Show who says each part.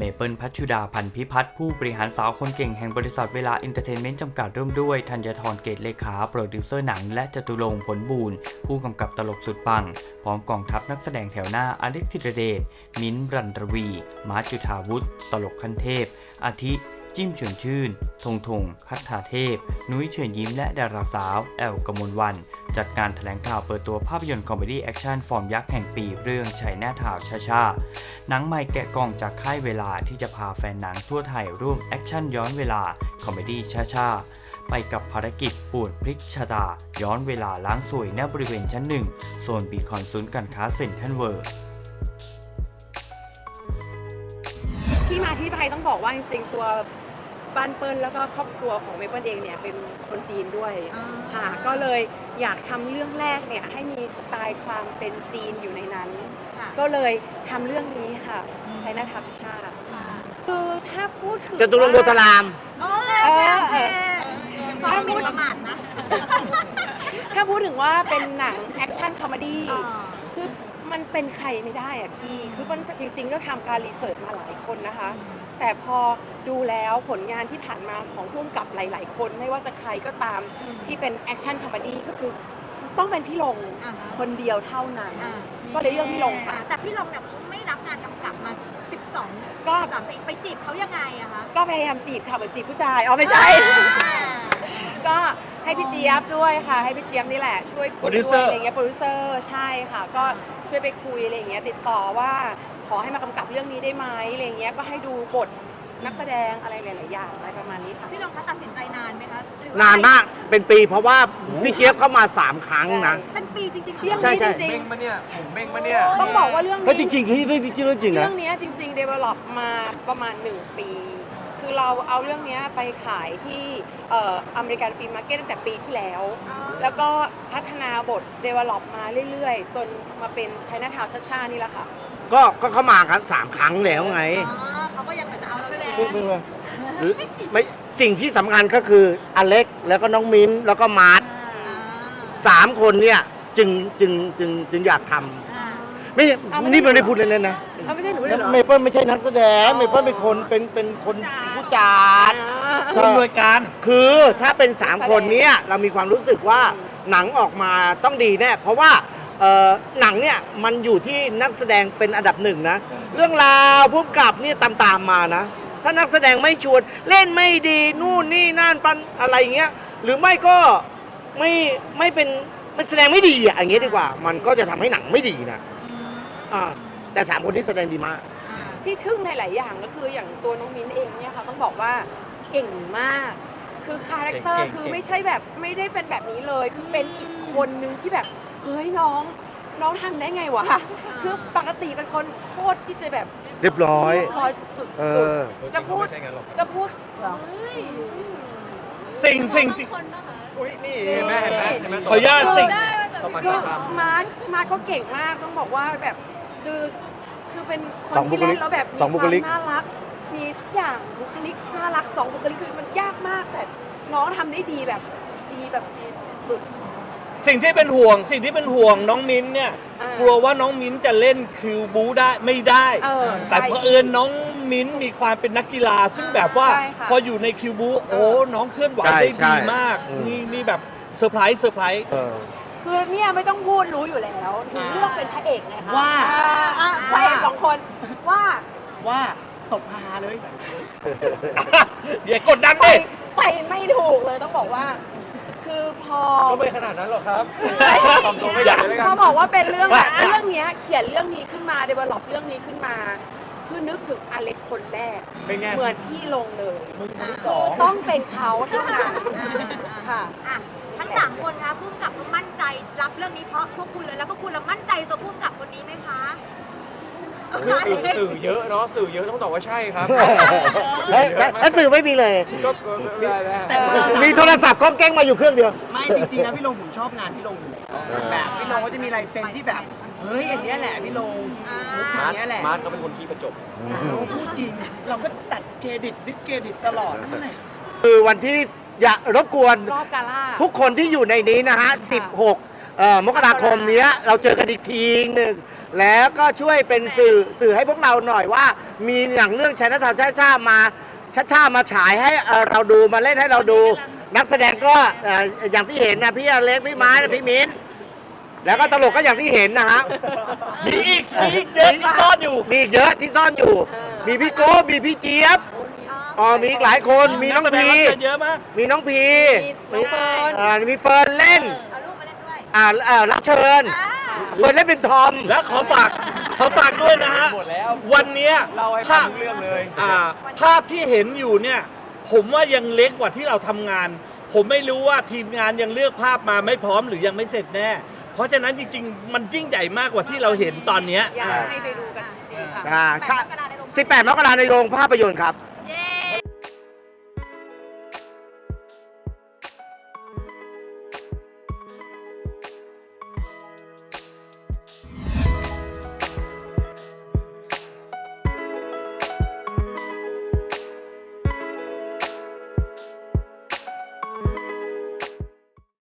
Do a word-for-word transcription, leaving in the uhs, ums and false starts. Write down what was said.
Speaker 1: เปิลพัชชุดาพันธ์พิพัฒน์ผู้บริหารสาวคนเก่งแห่งบริษัทเวลาเอนเตอร์เทนเมนต์จำกัดร่วมด้วยธัญธรเกตเลขาโปรดิวเซอร์หนังและจตุรงค์ผลบูรณ์ผู้กำกับตลกสุดปังพร้อมกองทัพนักแสดงแถวหน้าอเล็กธิรเดชมิ้นท์รันรวีมาร์ทจุฑาวุฒิตลกขั้นเทพอาทิจิ้มเฉินชื่นธงธงคัตถาเทพนุ้ยเชิญยิ้มและดาราสาวแอลกมลวันจัดการแถลงข่าวเปิดตัวภาพยนตร์คอมเมดี้แอคชั่นฟอร์มยักษ์แห่งปีเรื่องชัยหน้าทาวชาชาหนังใหม่แกะกล่องจากค่ายเวลาที่จะพาแฟนหนังทั่วไทยร่วมแอคชั่นย้อนเวลาคอมเมดี้ชาชาไปกับภารกิจป่วนพลิกชะตาย้อนเวลาล้างสวยณบริเวณชั้นหนึ่งโซนบีคอนศูนย์การค้าเซ็นทรัลเวิลด์
Speaker 2: ที่มาที่ไปต้องบอกว่าจริงๆตัวบ้านเปิ้ลแล้วก็ครอบครัวของเมเปิ้ลเองเนี่ยเป็นคนจีนด้วยค่ะก็เลยอยากทำเรื่องแรกเนี่ยให้มีสไตล์ความเป็นจีนอยู่ในนั้นก็เลยทำเรื่องนี้ค่ะใช้หน้าทาวชาชาคือถ้าพูดถึง
Speaker 3: จตุรงค์โพธาราม
Speaker 2: เออถ้าพูดประมาทนะถ้าพูดถึงว่าเป็นหนังแอคชั่นคอมเมดี้คือมันเป็นใครไม่ได้อะพี่คือมันจริงๆก็ทำการรีเสิร์ชมาหลายคนนะคะแต่พอดูแล้วผลงานที่ผ่านมาของผู้กำกับหลายๆคนไม่ว่าจะใครก็ตามที่เป็นแอคชั่นคอมเมดี้ก็คือต้องเป็นพี่ลงคนเดียวเท่านั้นก็เลยเลือกพี่ลงค่ะ
Speaker 4: แต่พี่ลงเนี่ยเขาไม่รับงานกำกับมาสิบสอง
Speaker 2: ก็
Speaker 4: ไปจีบเขายังไงอะคะ
Speaker 2: ก็พยายามจีบค่ะเหมือนจีบผู้ชายอ๋อไม่ใช่ก็ให้พี่เจี๊ยบด้วยค่ะให้พี่เจี๊ยบนี่แหละช่วยคุยด้วยอะไรเงี้ยโปรดิวเซอร์ใช่ค่ะก็ช่วยไปคุยอะไรเงี้ยติดต่อว่าขอให้มากำกับเรื่องนี้ได้ไหมอะไรเงี้ยก็ให้ดูบทนักแสดงอะไรหลายๆอย่างอะไรประมาณนี้ค่ะ
Speaker 4: พี่ลงคะตัดสินใจนานไหมคะ
Speaker 3: นานมากเป็นปีเพราะว่าพี่เจี๊ยบเข้ามาสามครั้งนะ
Speaker 4: เป็นปีจริงๆ
Speaker 2: เรื่องนี้จริง
Speaker 5: ๆเบ้งมาเนี่ยผมเบ้งมาเนี่ย
Speaker 2: ต้องบอกว่าเรื่องนี้
Speaker 3: จริงๆที่เรื่องจริงนะ
Speaker 2: เรื่องนี้จริงๆ develop มาประมาณหนึ่งปีคือเราเอาเรื่องนี้ไปขายที่อเมริกันฟิล์มมาร์เก็ตตั้งแต่ปีที่แล้วแล้วก็พัฒนาบท develop มาเรื่อยๆจนมาเป็นชัยหน้าทาวชาชานี่แหละค่ะ
Speaker 3: ก็ก็เข้ามากันสามครั้งแล้วไง
Speaker 4: เขาก็ยังจะเอาแสดง
Speaker 3: ไม่สิ่งที่สำคัญก็คืออเล็กแล้วก็น้องมิ้นแล้วก็มาร์ทสามคนเนี่ยจึงจึงจึงจึงอยากทำไม่นี่ไม่ได้พูดเล่นๆนะ
Speaker 2: ไม่ใช่หนูเลยเหรอ
Speaker 3: เมเปิ้ลไม่ใช่นักแสดงเมเปิ้ลเป็นคนเป็นเป็นคนผู้จัด
Speaker 5: ผู้อำนวยการ
Speaker 3: คือถ้าเป็นสามคนนี้เรามีความรู้สึกว่าหนังออกมาต้องดีแน่เพราะว่าหนังเนี่ยมันอยู่ที่นักแสดงเป็นอันดับหนึ่งนะเรื่องราวผู้กำกับนี่ตามตามมานะถ้านักแสดงไม่ชวนเล่นไม่ดีนู่นนี่นั่นปันอะไรเงี้ยหรือไม่ก็ไม่ไม่เป็นไม่แสดงไม่ดีอ่ะอย่างเงี้ยดีกว่ามันก็จะทำให้หนังไม่ดีนะอ่าแต่สามคนที่แสดงดีมาก
Speaker 2: ที่ทึ่งในหลายอย่างก็คืออย่างตัวน้องมิ้นเองเนี่ยค่ะต้องบอกว่าเก่งมากคือคาแรคเตอร์คือไม่ใช่แบบไม่ได้เป็นแบบนี้เลยคือเป็นอีกคนนึงที่แบบเฮ้ยน้องน้องทำได้ไงวะคือปกติเป็นคนโคตรที่จะแบบ
Speaker 3: เรียบร้อย
Speaker 2: เรียบร้อยสุดๆจะพูดจะพูด
Speaker 5: สิ่งสิ่งที่อุ้ยนี่แม่เห็นไหมขออนุญาตสิ่ง
Speaker 2: ก็มาร์คมาร์คก็เก่งมากต้องบอกว่าแบบคือคือเป็นคนที่เล่นแล้วแบบมีความน่ารักมีทุกอย่างบุคลิกน่ารักสองบุคลิกคือมันยากมากแต่น้องทำได้ดีแบบดีแบบดีสุด
Speaker 5: สิ่งที่เป็นห่วงสิ่งที่เป็นห่วงน้องมิ้นเนี่ยกลัวว่าน้องมิ้นจะเล่นคิวบูได้ไม่ได้แต่เผอิญน้องมิ้นมีความเป็นนักกีฬาซึ่งแบบว่าพออยู่ในคิวบูโอ้น้องเคลื่อนไหวได้ดีมากนี่นี่แบบเซอร์ไพรส์เซอร์ไพรส์
Speaker 2: คือเนี่ยไม่ต้องพูดรู้อยู่แล้วถึงเลือกเป็นพระเอกไงคะ
Speaker 5: ว่า
Speaker 2: พระเอกสองคนว่า
Speaker 5: ว่าตบฮาเลยอย่ากดดันดิ
Speaker 2: ไปไม่ถูกเลยต้องบอกว่าคือพอ
Speaker 5: ก็ไม่ขนาดนั้นหรอกครับ
Speaker 2: เขาบอกว่าเป็นเรื่องแบบเรื่องนี้เขียนเรื่องนี้ขึ้นมาเดเวลลอปเรื่องนี้ขึ้นมาคือนึกถึงอเล็กคนแรกเหมือนพี่ลงเลยคือต้องเป็นเขาเท่านั้นค่ะ
Speaker 4: ทั้งสามคนคะพุ่งกับมั่นใจรับเรื่องนี้เพราะพวกคุณเลยแล้วพวกคุณเรามั่นใจตัวพุ่งกับคนนี้ไหมคะ
Speaker 5: คือสื่อเยอะเนาะสื่อเยอะต้องตอบว่าใช่ครับ
Speaker 3: แล้วสื่อไม่มีเลย
Speaker 5: ก็ไม่ได้แล้ว
Speaker 3: มีโทรศัพท์ก้องแก้งมาอยู่เครื่องเดียว
Speaker 6: ไม่จริงๆนะพี่ลงผมชอบงานพี่ลงอยู่แล้วแบบพี่ลงก็จะมีลายเซ็นที่แบบเฮ้ยอันนี้แหละพี่ลงมุกทางนี้แหละ
Speaker 5: มาร์ทเขาเป็นคนขี้ประจบ
Speaker 6: พูดจริงเราก็ตัดเครดิตดิสเครดิตตลอดนั่นแหละ
Speaker 3: คือวันที่อย่ารบกวน
Speaker 2: รอบกาล่า
Speaker 3: ทุกคนที่อยู่ในนี้นะฮะสิบหกเอ่อมกราคมเนี้ยเราเจอกันอีกทีหนึ่งแล้วก็ช่วยเป็นสื่อสื่อให้พวกเราหน่อยว่า มีหนังเรื่องชัยนาทาวน์ช้าๆมาช้าๆมาฉายให้เอ่อเราดูมาเล่นให้เราดู นักแสดงก็เอ่ออย่างที่เห็นนะพี่อเล็กพี่ไม้นะพี่มิ้นแล้วก็ตลกก็อย่างที่เห็นนะฮะ
Speaker 5: มีอีกมีอีกเยอะที่ซ่อนอยู่
Speaker 3: มีอีกเยอะที่ซ่อนอยู่ มีพี่โก้มีพี่เจี๊ยบอ๋อมีอีกหลายคนมีน้อง
Speaker 5: กแสด
Speaker 3: พี
Speaker 5: รับเชิญเยอะมาก
Speaker 3: มีน้องพี
Speaker 2: มีน้องเฟิร์น
Speaker 3: อ่ามีเฟิร์นเล่น
Speaker 4: เอาลูกมาเล่นด้วย
Speaker 3: อ่าอ่ารับเชิญ
Speaker 4: อ่า
Speaker 3: เฟิร์นเล่นเป็นทอม
Speaker 5: และขอฝากขอฝากด้วยนะฮะ
Speaker 7: หมดแล้ว
Speaker 5: วันเนี้ย
Speaker 7: เล่าให้ฟังทุกเรื่องเลย
Speaker 5: อ่าภาพที่เห็นอยู่เนี่ย ผมว่ายังเล็กกว่าที่เราทำงาน ผมไม่รู้ว่าทีมงานยังเลือกภาพมาไม่พร้อมหรือยังไม่เสร็จแน่ เพราะฉะนั้นจริงๆ มันยิ่งใหญ่มากกว่าที่เราเห็นตอนเนี้ย
Speaker 2: อยากให้ไปดูกันจริงๆค่ะ
Speaker 3: อ่าใช่สิบแปดมกราในโรงภาพยนตร์ครับ